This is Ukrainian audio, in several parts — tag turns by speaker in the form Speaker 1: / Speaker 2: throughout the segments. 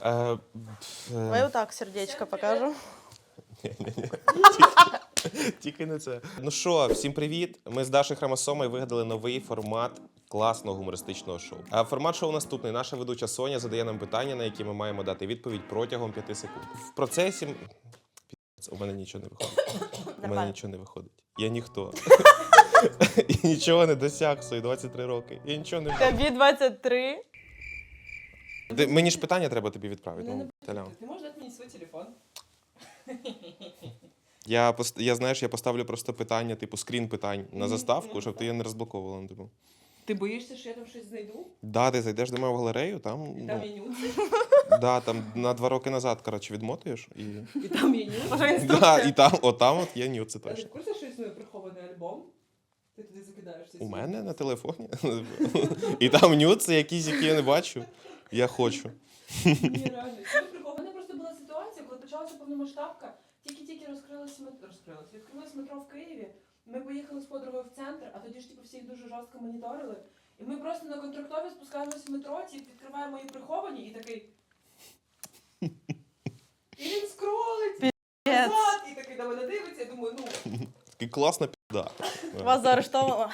Speaker 1: Давай отак сердечко покажу.
Speaker 2: Тільки не це. Ну що, всім привіт. Ми з Дашою Хромосомою вигадали новий формат класного гумористичного шоу. А формат шоу наступний. Наша ведуча Соня задає нам питання, на які ми маємо дати відповідь протягом 5 секунд. В процесі... У мене нічого не виходить. У мене нічого не виходить. Я ніхто. Я нічого не досяг в свої 23 роки. Я нічого не...
Speaker 1: Тобі 23.
Speaker 2: Мені ж питання треба тобі відправити. Ну, Талян.
Speaker 3: Ти можеш дати мені свій телефон?
Speaker 2: Я знаєш, я поставлю просто питання, типу скрін питань на заставку, щоб ти її не розблоковувала. Ну, типу.
Speaker 3: Ти боїшся, що я там щось знайду?
Speaker 2: Да, ти зайдеш до мене в галерею, там,
Speaker 3: І там є нюци?
Speaker 2: да, там на 2 роки назад, коротше, відмотуєш і...
Speaker 3: І там є нюци?
Speaker 1: Може
Speaker 2: Да,
Speaker 1: інструкція?
Speaker 2: і там, от є нюци
Speaker 3: А ти
Speaker 2: точно.
Speaker 3: в курсі, що існує прихований альбом? Ти туди закидаєш цей
Speaker 2: У
Speaker 3: свій?
Speaker 2: мене на телефоні. І там нюци якісь, які я не бачу. Я хочу.
Speaker 3: Ні, реально. Це прихована просто була ситуація, коли почалася повномасштабка. Тільки-тільки відкрилось метро в Києві. Ми поїхали з подругою в центр, а тоді ж типу всіх дуже жорстко моніторили. І ми просто на контрактові спускаємося в метро, відкриваємо її приховані і такий... І він скролить назад, і такий на мене дивиться, я думаю, ну...
Speaker 2: Такий класна пізда.
Speaker 1: Вас заарештовано.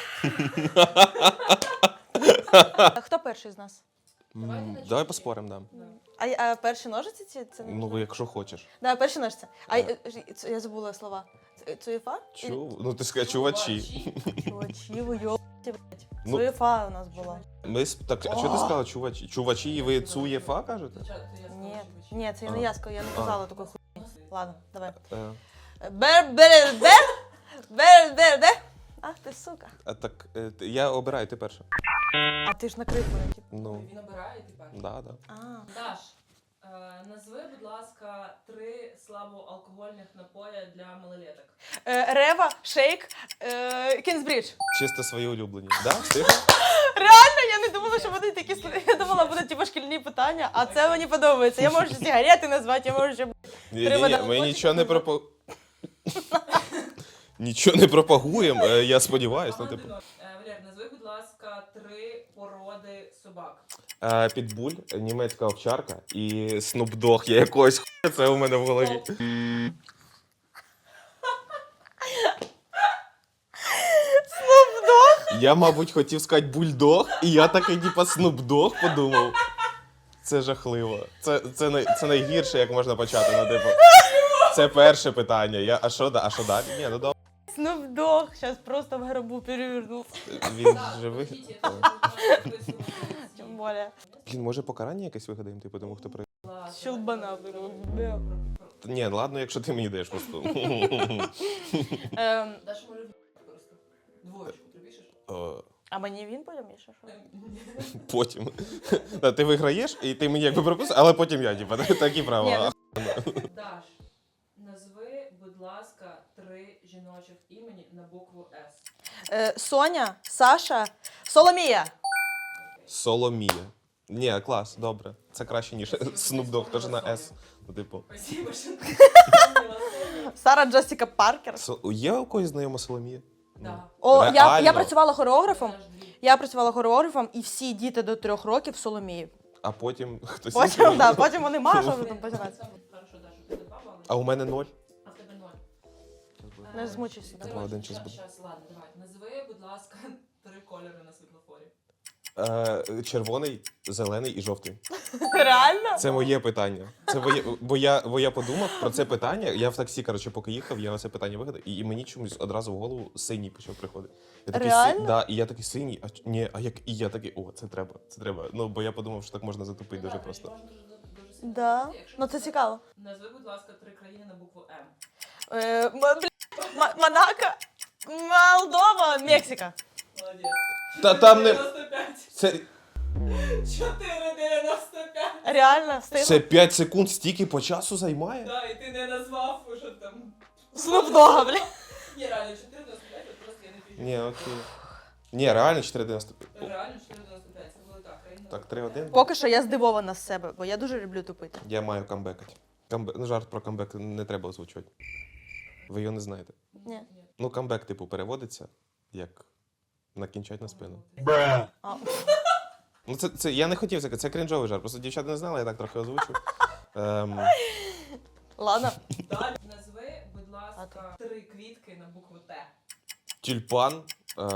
Speaker 1: Хто перший з нас?
Speaker 2: Давай поспоримо, да.
Speaker 1: А перші ножиці це не
Speaker 2: Ну, якщо хочеш.
Speaker 1: Да, перші ножиці. А я забула слова. Цуєфа?
Speaker 2: Ну, ти сказав, чувачі.
Speaker 1: Чувачі, ви йобаті, блядь.
Speaker 2: Ну,
Speaker 1: Цуєфа у нас була.
Speaker 2: Так, а що ти сказала, чувачі? Чувачі, і ви цуєфа кажете?
Speaker 1: Ні, це не я сказала, я не казала такої хуйні. Ладно, давай.
Speaker 2: Е,
Speaker 1: Бер. Ах ти, сука.
Speaker 2: А так, я обираю, ти перша.
Speaker 1: А ти ж накрив мене, типу.
Speaker 2: Ну,
Speaker 3: Він обирає тепер.
Speaker 2: да.
Speaker 1: А.
Speaker 3: Даш, назви, будь ласка, 3 слабоалкогольних напоя для малолеток.
Speaker 1: Рева, шейк, Кінзбридж.
Speaker 2: Чисто свої улюблені. Да? Встигла?
Speaker 1: Реально, я не думала, що будуть такі я думала, будуть типу шкільні питання, а це мені подобається. Я можу сигарети назвати, я можу ще
Speaker 2: Ні, ми нічого не Нічого не пропагуємо, я сподіваюся. Ну, типу.
Speaker 3: Валер, назви, будь ласка, 3 породи собак.
Speaker 2: Підбуль, німецька овчарка і снупдог. Я якогось хуя, це у мене в голові.
Speaker 1: Снупдог?
Speaker 2: Я, мабуть, хотів сказати бульдог, і я такий, типа, снупдог подумав. Це жахливо. Це найгірше, як можна почати. Ну, типу. Це перше питання. А що далі? Ні, ну добре.
Speaker 1: Снупдог, зараз просто в гробу перевернув.
Speaker 2: Він живий.
Speaker 1: Тим більше.
Speaker 2: Блін, може покарання якесь вигадаємо, типу, тому хто при...
Speaker 1: Щелбана.
Speaker 2: Ні, ладно, якщо ти мені даєш просто.
Speaker 3: Даша може просто. Двоєчку припишеш?
Speaker 1: А мені він потім є, що?
Speaker 2: Потім. Ти виграєш, і ти мені якби прописуєш, але потім я, типу, такі права.
Speaker 3: Даш, назви, будь ласка, 3 жіночих імені на букву С.
Speaker 1: Соня, Саша, Соломія.
Speaker 2: Соломія. Ні, клас, добре. Це краще, ніж Снупдог, теж на С. Ну, типу.
Speaker 3: Спасибо, що ти
Speaker 1: Сара Джесіка Паркер.
Speaker 2: Є у когось знайома Соломія?
Speaker 3: Да.
Speaker 1: О, я
Speaker 2: Реально?
Speaker 1: працювала хореографом, і всі діти до 3 років Соломії.
Speaker 2: А потім хтось...
Speaker 1: Потім вони Маша вже там починається.
Speaker 3: Хорошо, Даша, у тебе 2 бали.
Speaker 2: А у мене 0.
Speaker 3: А в тебе 0.
Speaker 1: Не змучуйся.
Speaker 2: Давай, один час буде.
Speaker 3: Ладно, давай. Назви, будь ласка, 3 кольори на світлофорі.
Speaker 2: Червоний, зелений і жовтий.
Speaker 1: Реально?
Speaker 2: Це моє питання. Це бо я подумав про це питання. Я в таксі, коротше, поки їхав, я це питання вигадав, і мені чомусь одразу в голову синій почав приходити. Я такий,
Speaker 1: Реально?
Speaker 2: Да, і я такий синій, і я такий, це треба. Ну, бо я подумав, що так можна затупити дуже просто.
Speaker 1: Да. Ну це цікаво.
Speaker 3: Назви, будь ласка, 3 країни на букву М.
Speaker 1: Монако, Молдова, Мексика.
Speaker 3: Молодець.
Speaker 2: Та там не...
Speaker 3: 4,95.
Speaker 2: Це
Speaker 3: 4,95.
Speaker 1: Реально, встигла?
Speaker 2: Це 5 секунд стільки по часу займає?
Speaker 3: Да, і ти не назвав, що там.
Speaker 1: Снупдога, бля.
Speaker 3: Ні, реально, 4,95, от просто я не піжу.
Speaker 2: Ні, окей. Ні, реально 4,95.
Speaker 3: Реально 4,95, це була та країна.
Speaker 2: Так, 3-1.
Speaker 1: Поки що я здивована з себе, бо я дуже люблю тупити.
Speaker 2: Я маю камбекати. Ну, жарт про камбек не треба озвучувати. Ви його не знаєте.
Speaker 1: Ні.
Speaker 2: Ну, камбек, типу, переводиться як накінчать на спину.
Speaker 1: А.
Speaker 2: Ну, це я не хотів це крінжовий жарт. Просто дівчата не знали, я так трохи озвучив.
Speaker 1: Ладно.
Speaker 3: Далі. Назви, будь ласка, 3 квітки на букву Т.
Speaker 2: Тюльпан,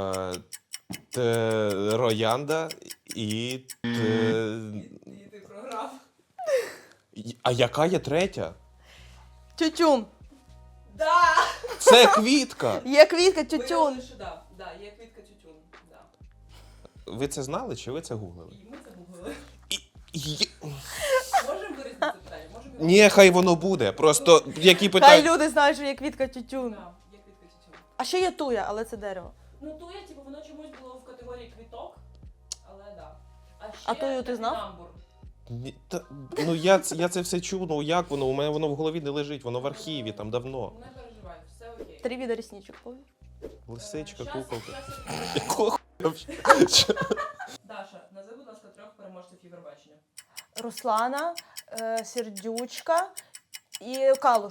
Speaker 2: роянда і...
Speaker 3: І ти програв.
Speaker 2: А яка є третя?
Speaker 1: Тютюн.
Speaker 3: Да!
Speaker 2: Це квітка!
Speaker 1: Є квітка, тютюн.
Speaker 3: Виявили, що да, є квітка тютюн. Да.
Speaker 2: Ви це знали чи ви це гуглили?
Speaker 3: І ми це гуглили.
Speaker 2: І-
Speaker 3: Можемо вирізати це питання? Можемо його-
Speaker 2: Ні, хай воно буде. Просто які
Speaker 1: Хай
Speaker 2: питання.
Speaker 1: люди знають, що є квітка тютюн.
Speaker 3: Да, є квітка тютюн.
Speaker 1: А ще є туя, але це дерево.
Speaker 3: Ну, туя, типу, воно чомусь було в категорії квіток, але да. Ще
Speaker 1: А тую ти знав?
Speaker 3: топінамбур.
Speaker 2: Ні, ну я це все чув, ну як воно? У мене воно в голові не лежить, воно в архіві, там давно.
Speaker 3: Не переживай, все окей.
Speaker 1: 3 вида ресничок, помниш?
Speaker 2: Лисичка,
Speaker 3: Щас-
Speaker 2: куколка.
Speaker 3: щас-
Speaker 2: Якого хуя взагалі?
Speaker 3: Даша, назви, будь ласка, 3 переможців Євробачення.
Speaker 1: Руслана, Сердючка і Калуш.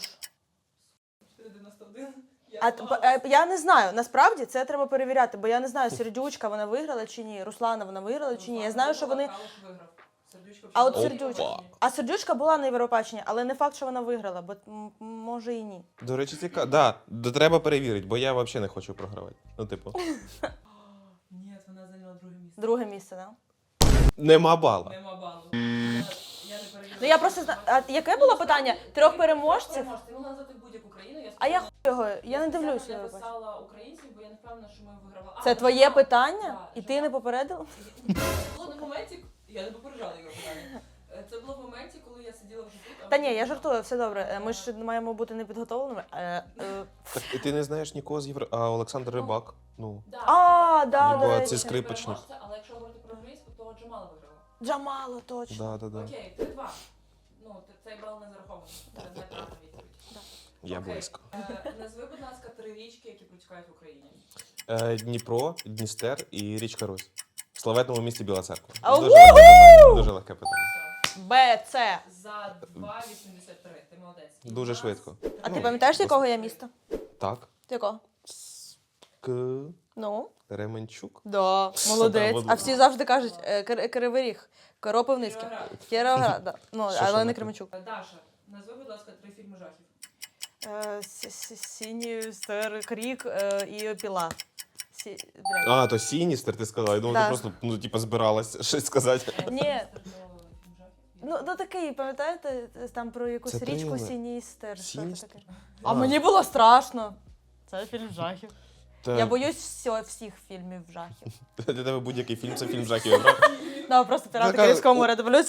Speaker 3: 491.
Speaker 1: Я не знаю, насправді це треба перевіряти, бо я не знаю, Сердючка вона виграла чи ні, Руслана вона виграла чи ні. Я знаю, що вони.
Speaker 3: Калуш виграв. Сердючка
Speaker 1: А от
Speaker 3: взагалі
Speaker 1: Сердючка.
Speaker 2: Опа.
Speaker 1: А Сердючка була на Європаченні, але не факт, що вона виграла, бо може і ні.
Speaker 2: До речі, цікаво. Да, треба перевірити, бо я взагалі не хочу програвати. Ну, типу,
Speaker 3: Ні, вона зайняла друге місце.
Speaker 1: Друге місце, так?
Speaker 2: нема бала.
Speaker 3: Нема балу. Я не перевірила.
Speaker 1: Ну я просто знаю. А яке було питання? 3 переможців?
Speaker 3: Ти могла назвати будь-яку країну.
Speaker 1: А я хуй його, я не
Speaker 3: спеціально
Speaker 1: дивлюся
Speaker 3: не
Speaker 1: Євробачення.
Speaker 3: писала українців, бо я не впевнена, що ми вигравали.
Speaker 1: Це твоє питання? І ти не попередила?
Speaker 3: Це було на моменті, я не попереджала його питання. Це було в моменті, коли я сиділа вже тут.
Speaker 1: Та ні, я жартую, все добре. Ми ж маємо бути непідготовленими.
Speaker 2: Так і ти не знаєш нікого з Євро. А Олександр Рибак. Ну.
Speaker 1: Да,
Speaker 2: Ніби
Speaker 1: до
Speaker 2: це
Speaker 1: речі.
Speaker 2: скрипочник.
Speaker 3: Але якщо говорити про англійську, то Джамала виграла.
Speaker 1: Джамало, точно.
Speaker 2: Да.
Speaker 3: Окей, 3-2. Ну, цей бал не зарахований. Це неправильна відповідь.
Speaker 2: Я
Speaker 3: Окей.
Speaker 2: близько.
Speaker 3: Назви, будь ласка, 3 річки, які протікають в Україні.
Speaker 2: Дніпро, Дністер і річка Русь. В славетному місті Біла Церква.
Speaker 1: А,
Speaker 2: Дуже легке питання. Дуже легке питання.
Speaker 3: Все.
Speaker 1: Б, С.
Speaker 3: За 2,83. Ти молодець. І
Speaker 2: Дуже
Speaker 3: в нас
Speaker 2: швидко.
Speaker 1: А ти
Speaker 2: Ну,
Speaker 1: пам'ятаєш, з якого я міста?
Speaker 2: Так.
Speaker 1: З якого?
Speaker 2: К.
Speaker 1: Ну?
Speaker 2: Ременчук.
Speaker 1: Да, молодець.
Speaker 2: Да,
Speaker 1: А всі завжди кажуть Кривий Ріг, Кропивницький,
Speaker 3: Кіровоград.
Speaker 1: Кіровоград, да. Ну,
Speaker 2: Що
Speaker 1: але
Speaker 2: не
Speaker 1: не
Speaker 2: так?
Speaker 1: Кременчук.
Speaker 3: Даша, назви, будь ласка, 3 фільми жахів.
Speaker 1: Синій стер, Крік і Піла. Блядь.
Speaker 2: А, то Сіністер, ти сказала. Я думав,
Speaker 1: Да.
Speaker 2: ти просто, ну, типа, збиралась щось сказати.
Speaker 1: Ні.
Speaker 3: Фільм жахів?
Speaker 1: Ну такий, пам'ятаєте, там про якусь
Speaker 2: Це
Speaker 1: річку
Speaker 2: трилер.
Speaker 1: Сіністер. Що це
Speaker 2: Сіністер?
Speaker 1: таке? А мені було страшно. Це фільм жахів.
Speaker 2: Та,
Speaker 1: Я боюсь всіх фільмів жахів.
Speaker 2: Для тебе будь-який фільм це фільм жахів. правда?
Speaker 1: Да, просто пірати
Speaker 2: Така-
Speaker 1: Карибського моря дивлюсь.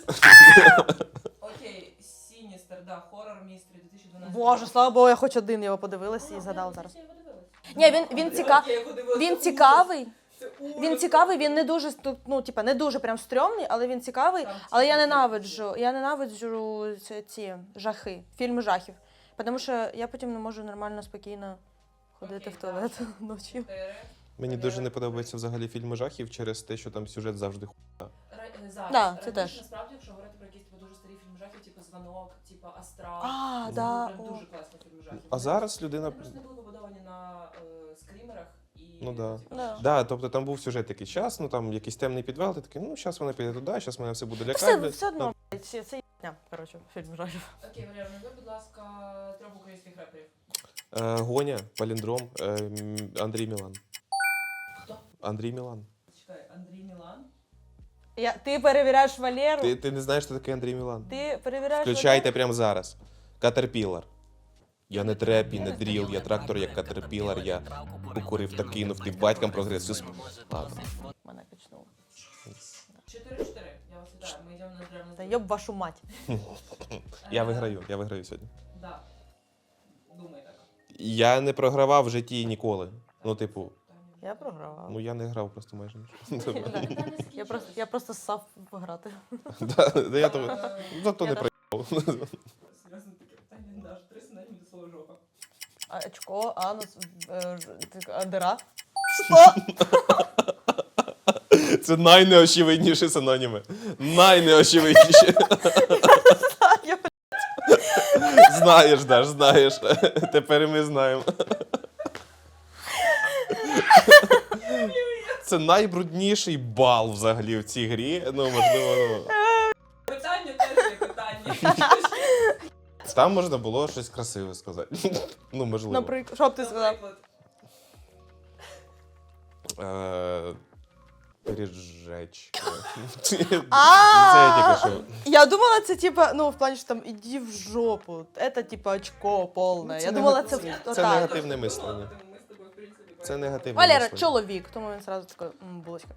Speaker 3: Окей, Сіністер, да, хоррор містері 2012.
Speaker 1: Боже, слава Богу, я хоч один його подивилася і згадала зараз.
Speaker 3: Я його дивилась.
Speaker 1: Ні, він
Speaker 3: Я його дивилась,
Speaker 1: він
Speaker 3: це
Speaker 1: цікавий.
Speaker 3: ужас. Це ужас.
Speaker 1: Він цікавий, він не дуже, ну, типа, не дуже прям стрьомний, але він цікавий.
Speaker 3: Там
Speaker 1: Але я
Speaker 3: цікавий.
Speaker 1: ненавиджу ці жахи, фільми жахів. Тому що я потім не можу нормально, спокійно ходити
Speaker 3: Окей,
Speaker 1: в туалет
Speaker 3: Даша.
Speaker 1: ночі.
Speaker 3: 4.
Speaker 2: Мені дуже не подобаються взагалі фільми жахів через те, що там сюжет завжди хуйня.
Speaker 3: Зараз.
Speaker 1: Да, це
Speaker 3: Раніше,
Speaker 1: теж.
Speaker 3: Насправді, якщо говорити про якісь типу, дуже старі фільми жахів, типу «Звонок», типу «Астрал»,
Speaker 1: А,
Speaker 3: це
Speaker 1: да.
Speaker 3: прям
Speaker 1: о.
Speaker 3: дуже класні фільми жахів.
Speaker 2: А зараз людина.
Speaker 3: Вони просто не були побудовані на скрімерах і...
Speaker 2: Ну да.
Speaker 3: типу,
Speaker 1: Да.
Speaker 2: Да, тобто там був сюжет такий час, ну там якийсь темний підвал, ти такий, ну зараз вона піде туди, зараз мене все буде лякати.
Speaker 1: Все,
Speaker 2: блядь.
Speaker 1: все одно, блядь, це єбня, коротше, фільм жахів.
Speaker 3: Окей, Валера, назви, будь ласка, 3 українських реперів.
Speaker 2: Гоня, Паліндром, Андрій Мілан.
Speaker 3: Хто?
Speaker 2: Андрій Мілан.
Speaker 3: Чекай, Андрій Мілан.
Speaker 1: Ти перевіряєш Валеру?
Speaker 2: Ти не знаєш, хто такий Андрій Мілан?
Speaker 1: Ти перевіряєш
Speaker 2: Включайте прямо зараз. Катерпілар. Я не треп і не дріл, я трактор як катерпілар, я покурив та кинув, ти батькам прогресив. Ладно.
Speaker 1: Мене качнуло.
Speaker 3: 4-4. Я вас вітаю. Ми йдемо на древну.
Speaker 1: Та йоб вашу мать.
Speaker 2: Я виграю сьогодні.
Speaker 3: Да. Думай так.
Speaker 2: Я не програвав в житті ніколи. Ну, типу,
Speaker 1: Я програвала.
Speaker 2: ну я не грав просто майже нічого.
Speaker 1: Я просто ссав пограти.
Speaker 2: Да, я то зато не
Speaker 1: Я
Speaker 2: проїхав.
Speaker 3: Серйозно таке питання, Даш. 3 синоніми до слова жопа.
Speaker 1: Очко, анус, дира. Що?
Speaker 2: Це найнеочевидніші синоніми. Найнеочевидніші. Знаєш, Даш, знаєш. Тепер і ми знаємо. Це найбрудніший бал взагалі в цій грі. Ну, можливо, ну.
Speaker 3: Питання теж є питання.
Speaker 2: Там можна було щось красиве сказати. Ну, можливо.
Speaker 1: Наприклад, що б ти сказав?
Speaker 3: Наприклад,
Speaker 2: Пиріжечка.
Speaker 1: А!
Speaker 2: Це я тільки що.
Speaker 1: Я думала, це типа, ну, в плані, що там іди в жопу. Це типа очко повне.
Speaker 2: Це
Speaker 1: Я думала,
Speaker 2: негатив-
Speaker 1: це
Speaker 2: це
Speaker 1: отак.
Speaker 2: негативне мислення.
Speaker 3: ми з тобою, в принципі,
Speaker 2: Це негативне
Speaker 1: Валера,
Speaker 2: мислення.
Speaker 1: чоловік, тому він сразу такий, булочка.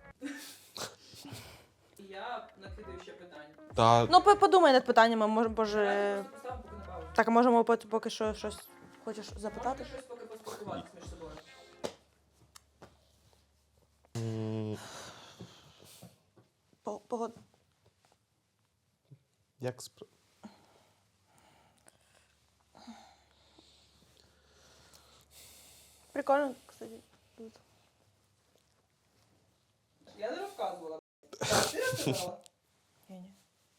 Speaker 3: Я накидаю ще питання.
Speaker 2: Та
Speaker 1: Ну, подумай над питаннями, може, боже.
Speaker 3: Я просто поставлю поки на паузу.
Speaker 1: Так, а можемо поки що щось хочеш запитати?
Speaker 3: Можете щось поки поспілкуватися між собою.
Speaker 2: м,
Speaker 1: Погод.
Speaker 2: як
Speaker 1: Прикольно, кстати.
Speaker 3: Я не розказувала. Ти розказала?
Speaker 1: Ні.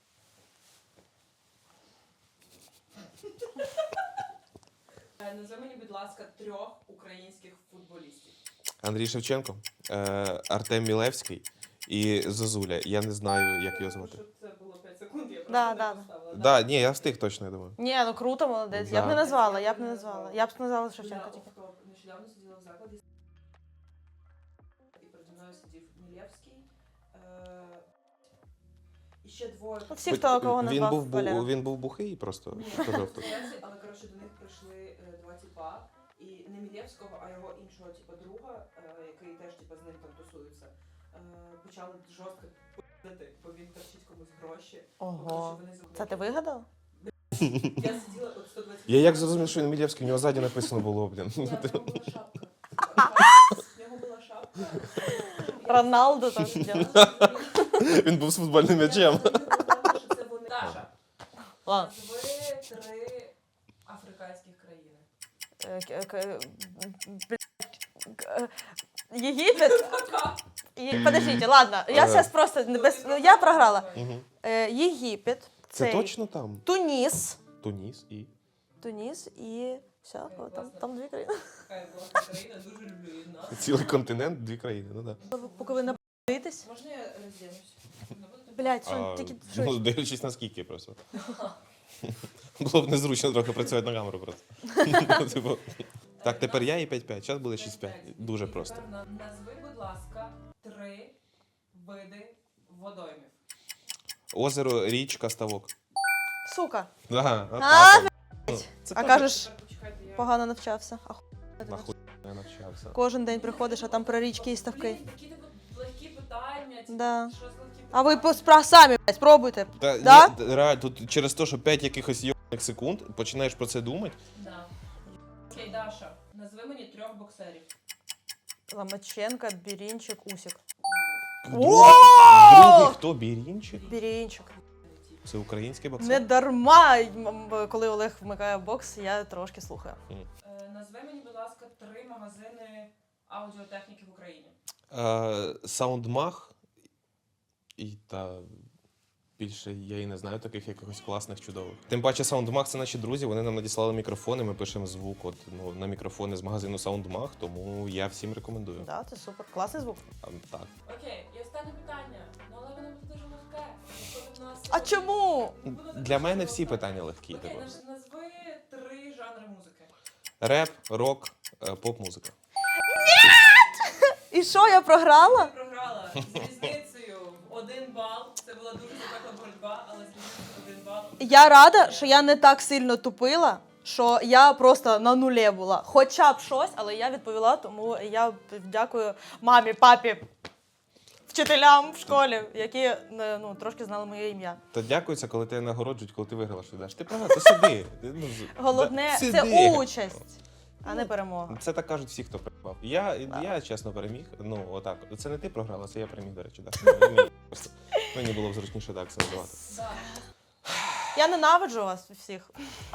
Speaker 3: Назви мені, будь ласка, 3 українських футболістів.
Speaker 2: Андрій Шевченко, Артем Мілевський і Зозуля. Я не знаю, як його звати.
Speaker 3: Щоб це було 5 секунд, я просто
Speaker 1: Да,
Speaker 3: не
Speaker 1: да.
Speaker 3: поставила.
Speaker 2: Да, ні, я встиг точно, я думаю.
Speaker 1: Ні, ну круто, молодець. Я б
Speaker 2: Да.
Speaker 1: не назвала, я б не назвала. Я б назвала Шевченка
Speaker 3: Я
Speaker 1: тільки.
Speaker 3: нещодавно сиділа в закладі і переді мною сидів Мілєвський. І ще двоє.
Speaker 1: Ну, всі, хто кого
Speaker 2: Він
Speaker 1: назвав
Speaker 2: був,
Speaker 1: Валера.
Speaker 2: він був бухий просто.
Speaker 3: Ні,
Speaker 2: Сказав так.
Speaker 3: Мілєвський, але коротше до них прийшли 2 тіпа. І не Мілєвського, а його іншого типа друга, який теж типа з ним там тусується. Почали жорстко пи***ти, бо він торчить комусь гроші.
Speaker 1: Ого.
Speaker 3: Коротше, вони
Speaker 1: Це ти вигадав?
Speaker 3: Я сиділа от 120.
Speaker 2: Я як зрозумів, що він Мілєвський, у нього ззаді написано було, блін.
Speaker 3: Ні, в нього була шапка. В нього була шапка.
Speaker 1: Роналдо там сидів.
Speaker 2: Він був з футбольним м'ячем.
Speaker 3: Даша,
Speaker 1: Ладно.
Speaker 3: назви 3 африканських країни.
Speaker 1: Єгипет? Подождите, ладно, я зараз просто не без... ну, я програла.
Speaker 2: Мгм.
Speaker 1: Єгипет,
Speaker 2: Це
Speaker 1: цей,
Speaker 2: точно там?
Speaker 1: Туніс.
Speaker 2: Туніс і.
Speaker 1: Туніс і все, там 2 країни.
Speaker 3: Така класна країна, дуже люблю її нас.
Speaker 2: Цілий континент, 2 країни, ну так.
Speaker 1: Поки ви напитесь.
Speaker 3: Можна я роздінусь?
Speaker 1: Блять, що
Speaker 2: А,
Speaker 1: тільки
Speaker 2: ну,
Speaker 1: щось.
Speaker 2: дивлячись наскільки просто. Було б незручно трохи працювати на камеру просто. Типу. Так, тепер я і 5-5. Зараз буде 6-5. Дуже просто.
Speaker 3: Назви, будь ласка, 3 види водоймів.
Speaker 2: Озеро, річка, ставок.
Speaker 1: Сука.
Speaker 2: Ага,
Speaker 1: А,
Speaker 2: отак. Це
Speaker 1: А
Speaker 2: теж
Speaker 1: кажеш,
Speaker 3: Тепер почекайте, я...
Speaker 1: погано навчався.
Speaker 2: нахуй я навчався.
Speaker 1: Кожен день приходиш, а там про річки і ставки.
Speaker 3: Блін, такі типу легкі питання. Типу,
Speaker 1: Да.
Speaker 3: що з легкі
Speaker 1: А ви
Speaker 3: питання?
Speaker 1: самі, блядь, спробуйте.
Speaker 2: Та,
Speaker 1: Да?
Speaker 2: ні, реально, тут через те, що 5 якихось йобаних секунд починаєш про це думати.
Speaker 3: Да. Окей, Даша, назви мені 3 боксерів.
Speaker 1: Ломаченко, Бірінчик, Усік.
Speaker 2: Другий хто? Бірінчик?
Speaker 1: Бірінчик.
Speaker 2: Це український
Speaker 1: Не
Speaker 2: боксер?
Speaker 1: дарма, коли Олег вмикає бокс, я трошки слухаю.
Speaker 3: Назви мені, будь ласка, 3 магазини аудіотехніки в Україні.
Speaker 2: Саундмаг і та більше я і не знаю таких якихось класних, чудових. Тим паче Саундмаг це наші друзі, вони нам надіслали мікрофони, ми пишемо звук от, ну, на мікрофони з магазину Саундмаг, тому я всім рекомендую.
Speaker 1: Так, це супер. Класний звук.
Speaker 2: Так.
Speaker 3: Окей, і останнє питання. Ну, але воно буде дуже легке. Виходить в нас
Speaker 1: А
Speaker 3: сьогодні.
Speaker 1: чому?
Speaker 3: Буде
Speaker 2: Для мене
Speaker 3: дуже
Speaker 2: всі
Speaker 3: легке.
Speaker 2: питання легкі.
Speaker 3: Окей,
Speaker 2: типу.
Speaker 3: назви 3 жанри музики.
Speaker 2: Реп, рок, поп-музика.
Speaker 1: І що, я програла?
Speaker 3: Ти програла з різницею в 1 бал. Це була дуже запекла боротьба, але з різницею в 1 бал.
Speaker 1: Я рада, що я не так сильно тупила, що я просто на нулі була. Хоча б щось, але я відповіла, тому я дякую мамі, папі, вчителям в школі, які ну, трошки знали моє ім'я.
Speaker 2: Та дякується, коли тебе нагороджують, коли ти виграла, що даш. Ти програв, ти сиди. Ну,
Speaker 1: Головне,
Speaker 2: да,
Speaker 1: це
Speaker 2: сиди.
Speaker 1: участь, а не перемога.
Speaker 2: Це так кажуть всі, хто програв. Я чесно переміг. Ну, отак. Це не ти програла, це я переміг, до речі. Так. Мені було б зручніше так це називати.
Speaker 3: Да.
Speaker 1: Я ненавиджу вас всіх.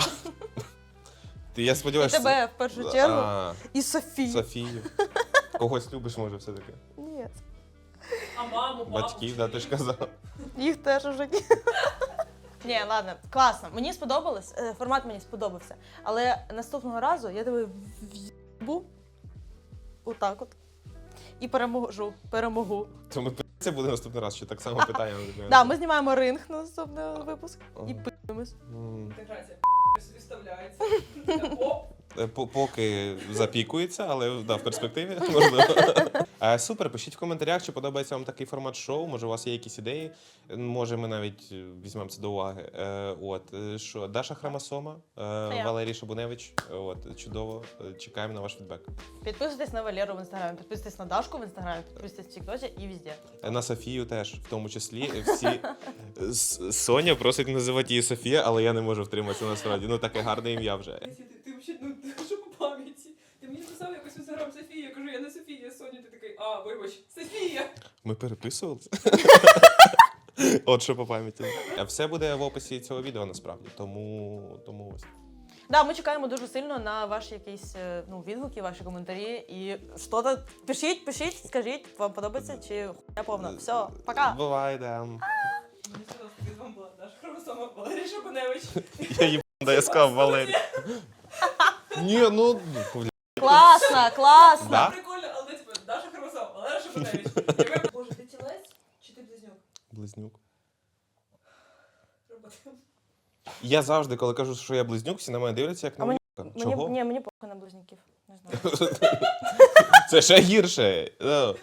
Speaker 2: Я
Speaker 1: І
Speaker 2: сподіваюся,
Speaker 1: тебе в першу чергу,
Speaker 2: А,
Speaker 1: і Софію.
Speaker 2: Софію. Когось любиш, може, все-таки.
Speaker 1: Ні,
Speaker 3: А маму, папу,
Speaker 2: Батьків, да, ти ж казав.
Speaker 1: їх теж уже ні. Ні, ладно, класно. Мені сподобалось, формат мені сподобався. Але наступного разу я тебе в'їбу отак от. і перемогу.
Speaker 2: То ми це буде наступний раз, що так само питання.
Speaker 1: Да, ми знімаємо ринг на наступний випуск і пи***мось.
Speaker 3: Інтеграція собі вставляється. Оп.
Speaker 2: Поки запікується, але да, в перспективі можливо. Супер, пишіть в коментарях, чи подобається вам такий формат шоу. Може, у вас є якісь ідеї. Може, ми навіть візьмемо це до уваги. Що Даша Храмасома, Валерій Шабуневич. Чудово. Чекаємо на ваш фідбек.
Speaker 1: Підписуйтесь на Валеру в інстаграмі, підписуйтесь на Дашку в інстаграмі, підписуйтесь в Тіктоці і везде.
Speaker 2: На Софію теж, в тому числі. Всі Соня просить називати її Софія, але я не можу втриматися насправді. Ну таке гарне ім'я вже.
Speaker 3: Ти взагалі, ну що по пам'яті? Ти мені написав якось в інстаграм Софія, я кажу, я не Софія, я Соня, ти такий, вибач, Софія.
Speaker 2: Ми переписувалися. От що по пам'яті. Все буде в описі цього відео насправді, тому ось.
Speaker 1: Да, ми чекаємо дуже сильно на ваші якісь відгуки, ваші коментарі. І що-то пишіть, скажіть, вам подобається чи хуйня повна. Все, пока!
Speaker 2: Бувай, да.
Speaker 3: Мені сказав, тобі з вами була Даша Хромосома, Валерій Шабуневич.
Speaker 2: Я їб, да я сказав Валерій. Ні, ну,
Speaker 1: Класно!
Speaker 2: Да?
Speaker 3: Прикольно, але типу, Даша Хромосома, Валерій Шабуневич. Боже, ти тілець чи ти близнюк?
Speaker 2: Близнюк.
Speaker 3: Роботи.
Speaker 2: Я завжди, коли кажу, що я близнюк, всі на мене дивляться, як на вуйка. Чого?
Speaker 1: Мені похуй на близнюків. Не знаю.
Speaker 2: Це ще гірше.